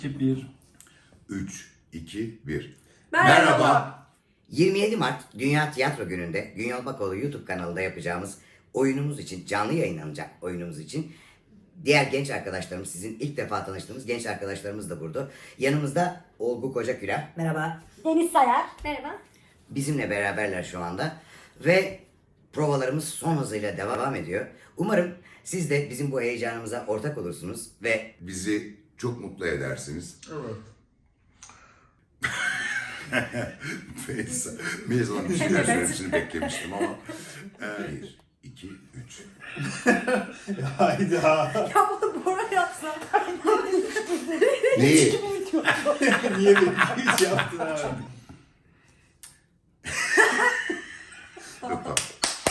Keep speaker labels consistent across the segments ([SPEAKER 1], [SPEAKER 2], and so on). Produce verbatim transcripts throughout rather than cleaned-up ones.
[SPEAKER 1] bir.
[SPEAKER 2] üç, iki, bir.
[SPEAKER 3] Merhaba.
[SPEAKER 4] yirmi yedi Mart Dünya Tiyatro Günü'nde Günyol Bakoğlu YouTube kanalında yapacağımız oyunumuz için, canlı yayınlanacak oyunumuz için diğer genç arkadaşlarımız, sizin ilk defa tanıştığımız genç arkadaşlarımız da burada. Yanımızda Olgu Kocakülah. Merhaba.
[SPEAKER 3] Deniz Sayar. Merhaba.
[SPEAKER 4] Bizimle beraberler şu anda ve provalarımız son hızıyla devam ediyor. Umarım siz de bizim bu heyecanımıza ortak olursunuz ve
[SPEAKER 2] Bizi çok mutlu edersiniz.
[SPEAKER 1] Evet.
[SPEAKER 2] Melisa, Melisa'nın bir şeyler söylemesini beklemiştim ama. Bir, iki, üç.
[SPEAKER 1] Hayda.
[SPEAKER 3] Ya bunu Bora yapsa.
[SPEAKER 2] Neyi?
[SPEAKER 1] Niye beni hiç yaptın abi?
[SPEAKER 2] Yok tamam.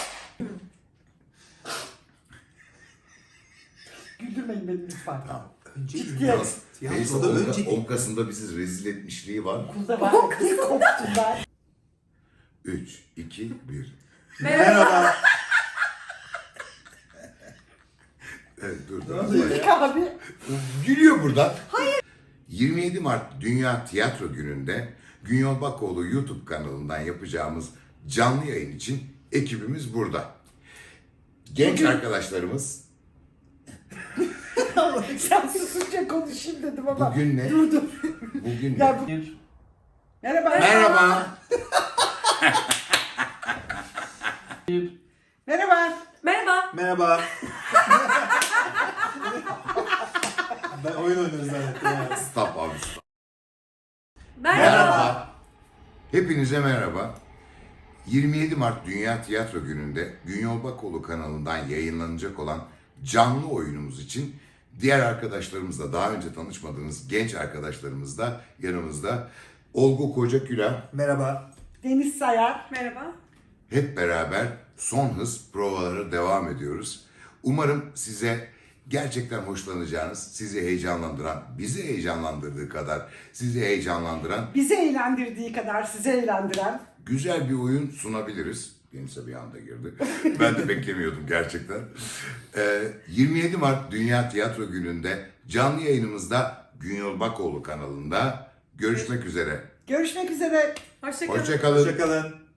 [SPEAKER 5] Güldürmeyin beni lütfen.
[SPEAKER 2] Tamam.
[SPEAKER 5] Ciddiyet.
[SPEAKER 2] Yalnız Melisa
[SPEAKER 5] Tiyatroda
[SPEAKER 2] on,
[SPEAKER 5] önce
[SPEAKER 2] on Kasım'da bizi rezil etmişliği var.
[SPEAKER 5] okulda ben kız koptum ben.
[SPEAKER 2] üç, iki, bir.
[SPEAKER 1] Merhaba.
[SPEAKER 2] Evet dur. dur.
[SPEAKER 5] İlk abi.
[SPEAKER 2] Gülüyor buradan. Hayır. yirmi yedi Mart Dünya Tiyatro Günü'nde Günyol Bakoğlu YouTube kanalından yapacağımız canlı yayın için ekibimiz burada. Genç
[SPEAKER 5] Bugün-
[SPEAKER 2] arkadaşlarımız
[SPEAKER 5] Sen susunca konuşayım dedim ama.
[SPEAKER 2] bugün ne?
[SPEAKER 5] Dur dur.
[SPEAKER 2] Bugün ne?
[SPEAKER 5] Ya bu...
[SPEAKER 1] Bir.
[SPEAKER 5] Merhaba.
[SPEAKER 2] Merhaba.
[SPEAKER 1] Bir.
[SPEAKER 5] Merhaba.
[SPEAKER 3] Merhaba.
[SPEAKER 1] Merhaba. Ben oyun oynuyoruz zannettim ya.
[SPEAKER 2] Stop abi stop.
[SPEAKER 3] Merhaba.
[SPEAKER 2] Hepinize merhaba. yirmi yedi Mart Dünya Tiyatro Günü'nde Günyol Bakoğlu kanalından yayınlanacak olan canlı oyunumuz için diğer arkadaşlarımızla, daha önce tanışmadığınız genç arkadaşlarımız da yanımızda. Olgu Kocakülah,
[SPEAKER 1] Merhaba.
[SPEAKER 5] Deniz Sayar.
[SPEAKER 3] Merhaba.
[SPEAKER 2] hep beraber son hız provalara devam ediyoruz. Umarım size gerçekten hoşlanacağınız, sizi heyecanlandıran, bizi heyecanlandırdığı kadar sizi heyecanlandıran
[SPEAKER 5] Bizi eğlendirdiği kadar sizi eğlendiren.
[SPEAKER 2] güzel bir oyun sunabiliriz. Denize bir anda girdi. Ben de beklemiyordum gerçekten. Ee, yirmi yedi Mart Dünya Tiyatro Günü'nde canlı yayınımızda Günyol Bakoğlu kanalında görüşmek üzere.
[SPEAKER 5] Görüşmek üzere.
[SPEAKER 3] Hoşçakalın.
[SPEAKER 2] Hoşça kalın.
[SPEAKER 1] Hoşçakalın.